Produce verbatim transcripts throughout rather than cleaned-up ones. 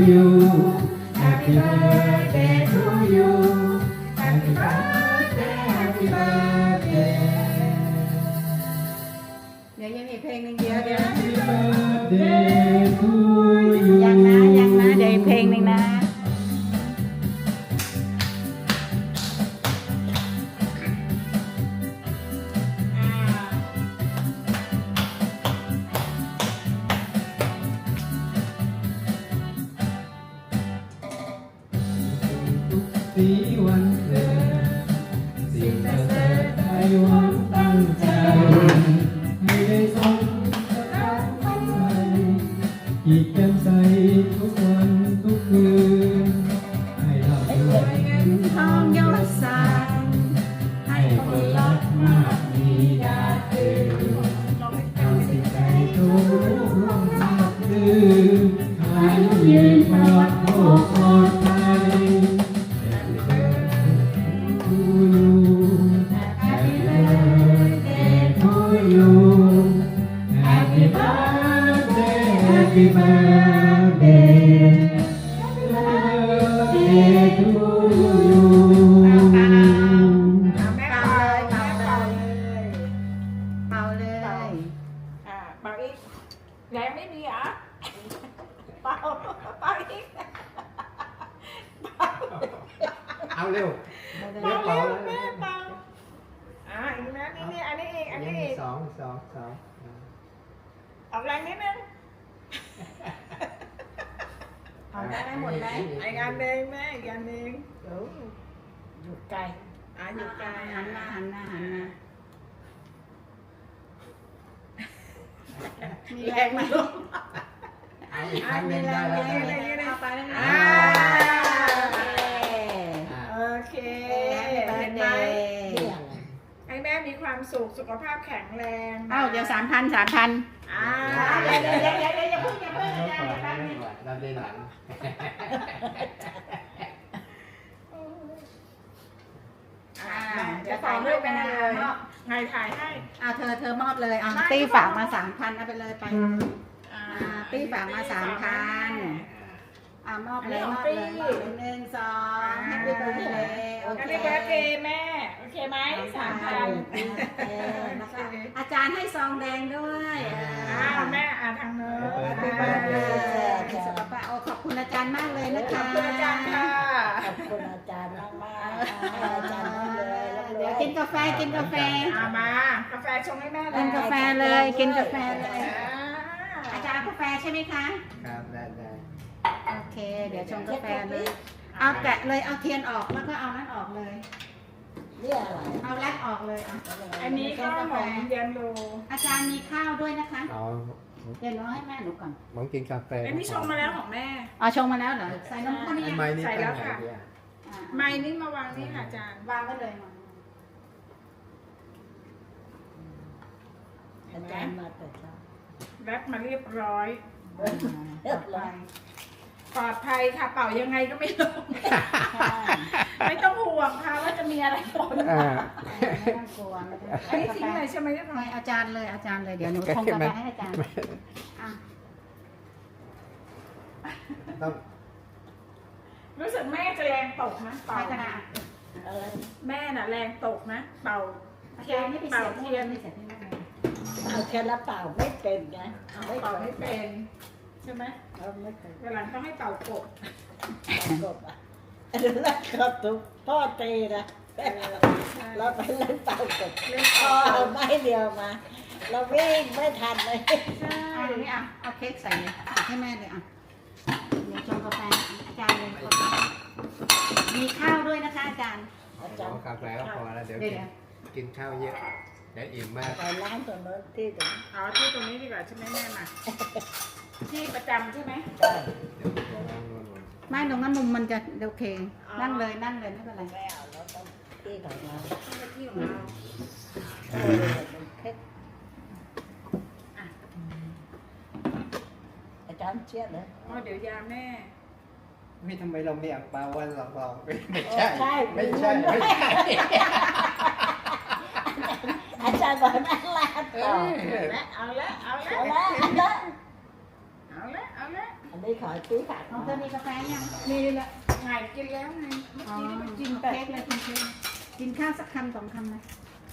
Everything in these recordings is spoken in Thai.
you Happy birthday to you Happy birthday Happy birthday เดี๋ยวยังมีเพลงหนึ่งเดียวเดี๋ยว Happy birthday to you ยังนะยังนะเดี๋ยวอีกเพลงหนึ่งนะสีวันเกิดสิ่งประเสริฐไทยหวังตั้งใจให้ได้สมกับการทำไมอีกแก้มใสทุกวันทุกคืนให้เราด้วยเงินทองยศศักดิ์ให้คนรักมากมีดาตื่นทำสิ่งใดทุกร่วมทับดื้ออายุยืนปลอดโภคปลอดภัย Happy birthday to you Happy birthday to you Happy birthday Happy birthday Happy birthday to you เป่าเลยเป่าเลยเป่าเลยอ่าเป่าอีกแรงไม่มีเหรอเป่าเป่าอีกเอาเร็วเป่าเร็วแม่เป่าอ่าอีกนะนี่นี่อันนี้อีกอันนี้อีกสองสองสองออกแรงนิดนึงเอาได้หมดไหมอีกอันหนึ่งแม่อีกอันหนึ่งเดี๋ยวอยู่ไกลอ่าอยู่ไกลหันหน้าหันหน้าหันหน้ามีแรแรงงไหมมาลูกเอาอีกครั้งหนึ่งได้แล้วมีได้แรงแล้วเอาไปแล้วนะอ่าอ่าโอเคแฮปปี้เบิเห็ร์นดไหมเดย์ให้แม่มีความสุขสุขภาพแข็งแรงเอ้าเดี๋ยวสามพันสามพันอ่าเดี๋ยวเดี๋ยวเดี๋ยวเดี๋ยวอย่าเพิ่งอย่าเพิ่งเราอย่าก่อนอย่าเราเพิ่งก่อนเราได้หลังอ่าเดี๋ยวถ่ายให้แม่เลยไงถ่ายให้เอาเธอเธอมอบเลยเอาไม่ตี้ฝากมาสามพันเอาไปเลยไปอ่าอ่าตี้ฝากมาสามพันอ่ามอบเลยมอบเลยมอบเลยหนึ่งสองแฮปปี้เบิร์ดเดย์โอแฮปเคปี้เบิร์ดเดย์แม่ โอเคไหมสามพันนะคะอาจารย์ให้ซองแดงด้วยอ้าวแม่อ่านทางโน้นแฮปปี้เบิร์ดเดย์สุขภาพโอ้ขอบคุณอาจารย์มากเลยนะขอคะบคุณอาจารย์ค่ะขอบคุณอาจารย์มากมากๆให้อาจารย์ให้เลยรับรเดี๋ยวองกินกาแฟกินกาแฟเอามากาแฟชงให้แม่เลยกินกาแฟเลยกินกาแฟเลยอ่าอาจารย์กาแฟใช่ไหมคะครับได้ได้โอเค เดี๋ยวชงกาแฟเลย เอาแกะเลย เอาเทียนออกแล้วก็เอานั้นออกเลยเนี่ยอะไรเอาแรกออกเลยอ่ะอันนี้ก็ขนมเย็นโลอาจารย์มีข้าวด้วยนะคะเอาเดี๋ยวน้องให้แม่หนูก่อนผมกินกาแฟอันนี้ชงมาแล้วของแม่อ๋อชงมาแล้วเหรอ ใส่นมข้นหรือไอ้ยังไม้นี่ใส่ตั้แล้งวไหนค่ะดีอ่ะอ่าไม้นี่มาวางนี่ค่ะอาจารย์วางไว้เลยมาอาจารย์มาแต่เช้าแรปมาเรียบร้อยเรียบร้อยปลอดภัยค่ะเป่ายังไงก็ไม่ลง ไม่ต้องห่วงค่ะว่าจะมีอะไรปนอ่าไม่ต้องกลัวไม่ต้องกลัวอันนี้ทิ้งเลยใช่ไหมเรียบร้อให้ยอาจารย์เลยอาจารย์เลยเดี๋ยวหนูชงกาแฟให้อาจารย์อ่ะต้องรู้สึกแม่จะแรงตกนะเป่าใช้กระดาษอะไรแม่น่ะแรงตกนะ เป่าอาเทียจาน รย์ไม่ไปเป่าเสียบเทียนไม่เสียบที่นั่นเลยเอาแค่ละเปล่าไม่เป็นไงเป่าไม่เป็นใช่ไหมเราไม่เคยวันหลังต้องให้เป่ากบกบอ่ะอันนั้นก็ทุกพ่อตีนะเราไปเล่นเป่ากบเล่นพ่อเป่าเอาไม้เดียวมา เราวิ่งไม่ทันเลยใช่อ่ะนี่อ่ะเอาเค้กใส่เลยอ่ะให้แม่เลยอ่ะเดี๋ยวชงกาแฟอาจารย์เลยกาแฟมีข้าวด้วยนะคะอาจารย์อาจารย์กาแฟก็พอแล้วเดี๋ยวเดี๋กิยนวกินข้าวเยอะเดี๋ยวอิ่มมากไปร้านตรงโน้นที่ตรงนี้เอาที่ตรงนี้ดีกว่าใช่ไหมแม่มาที่ประจำใช่ไหมได้เดี๋ยวเดี๋ยวนั่งนู่นไม่ตรงนั้นมุมมันจะโอเค นั่งเลยนั่งเลยไม่เป็นไรไม่เอาเราต้องที่ของเราที่ของเราเออเค้กอาจารย์เชียดเลยอ๋อเดี๋ยวยาแม่ไม่ทำไมเราไม่อ่างเปาวันหลอกเราไม่เอใช่อใช่ไม่ใช่ไม่ใช่อาจารย์บอกนั่งลาดเอต่ออเอาละเอาละเอาละเอาละเอาละเอาละเอาละอันได้ขอซื้อฝากน้องเธอมีกาแฟยังนี่แหละไงกินแล้วไงเมื่ออ๋อกี้นี่มันกิกินนแต่เค้กเลยกินเค้กกินข้าวสักคำสองคำไหม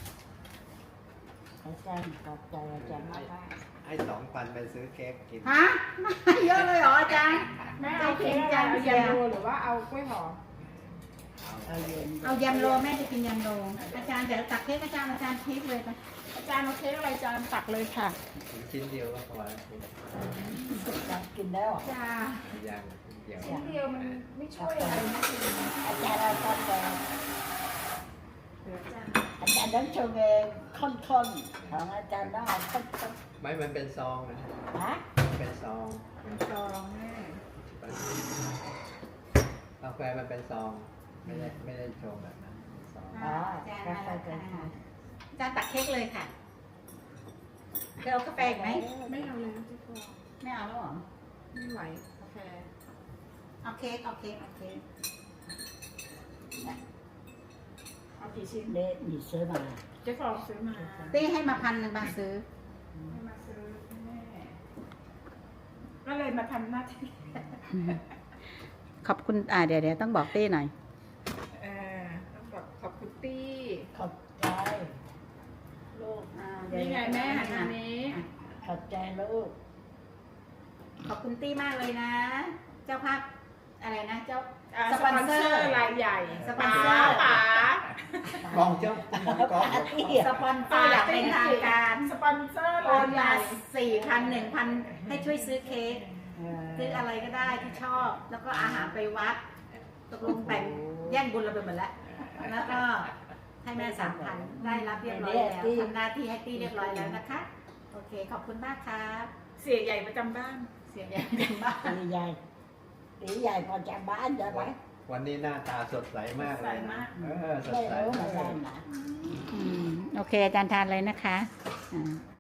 อาจารย์ขอบใจอาจารย์มากให้สองพันไปซื้อเค้กกินฮะเยอะเลยเหรออาจารย์แม่เอาเค้กอะไรเอายาโรหรือว่าเอากล้วยหอมๆเอาเย็นเอายำโรแม่จะกินยำโรอาจารย์เดี๋ยวตักเค้กอาจารย์อาจารย์เค้กเลยไปอาจารย์เอาเค้กอะไรจานตักเลยค่ะชิ้นเดียวก็พอแล้วอาจารย์กินแล้วจ้าอย่างเดียวชิ้นเดียวมันไม่ช่วยอะไรนะอาจารย์เอากาแฟเดี๋ยวจ้าอาจารย์ต้องชงเองข้นๆของอาจารย์ต้องเอาข้นไม่มันเป็นซองนะๆฮะเป็นซองเป็นซองแม่กาแฟมันเป็นซอง ไม่ได้ไม่ได้ชงแบบนั้นเป็นซองอ๋ออาจารย์กามาแฟแล้วเป็นค่ะอาจารย์ตักเค้กเลยค่ะเธอเอากาแฟอีกไหมไม่เอาแล้วที่คอไม่เอาแล้วเหรอไม่ไหวกาแฟเอาเค้กเอาเค้กเอาเค้กเอากี่ชิ้นเละหนีซื้อมาเจ๊ฟองซื้อมาตี้ให้มาพันหนึ่งบาทซื้อให้มาซื้อแม่ก็เลยมาทำหน้าที่ขอบคุณอ่าเดี๋ยวเดี๋ยวต้องบอกตี้หน่อยเออต้องบอกขอบคุณตี้ขอบใจลูกอ่าเดี๋ยวนี่ไงแม่หันทางนี้ขอบใจลูกขอบคุณตี้มากเลยนะ เจ้าภาพอะไรนะเจ้าอ่าสสปปออน นเซเซออร์ร์รายใหญ่สปอนเซอร์ป๋ากองเจ้าตีกองสปอนเซอร์อย่างเป็นทางการสปอนเซอร์โอรายนใหมาญ่สี่พันหนึ่งพันให้ช่วยซื้อเค้กเออซื้ออะไรก็ได้ที่ชอบ แล้วก็อาหารไปวัด ตกลงแบ่งแย่งบุญเราไปหมดแล้ว แล้วก็ให้แม่สามพันได้รับเรียบร้อยแล้วทำหน้าที่ให้ตี้เรียบร้อยแล้วนะคะ โอเค ขอบคุณมากครับเสียใหญ่ประจำบ้านเสียงใหญ่เป็นบ้านตีใหญ่ตีใหญ่พอจะบ้านจะไหมวันนี้หน้าตาสดใสมากเลยนะเออสดไม่ใสรู้เหมือนกันนะโอเค อาจารย์ทานเลยนะคะอ่า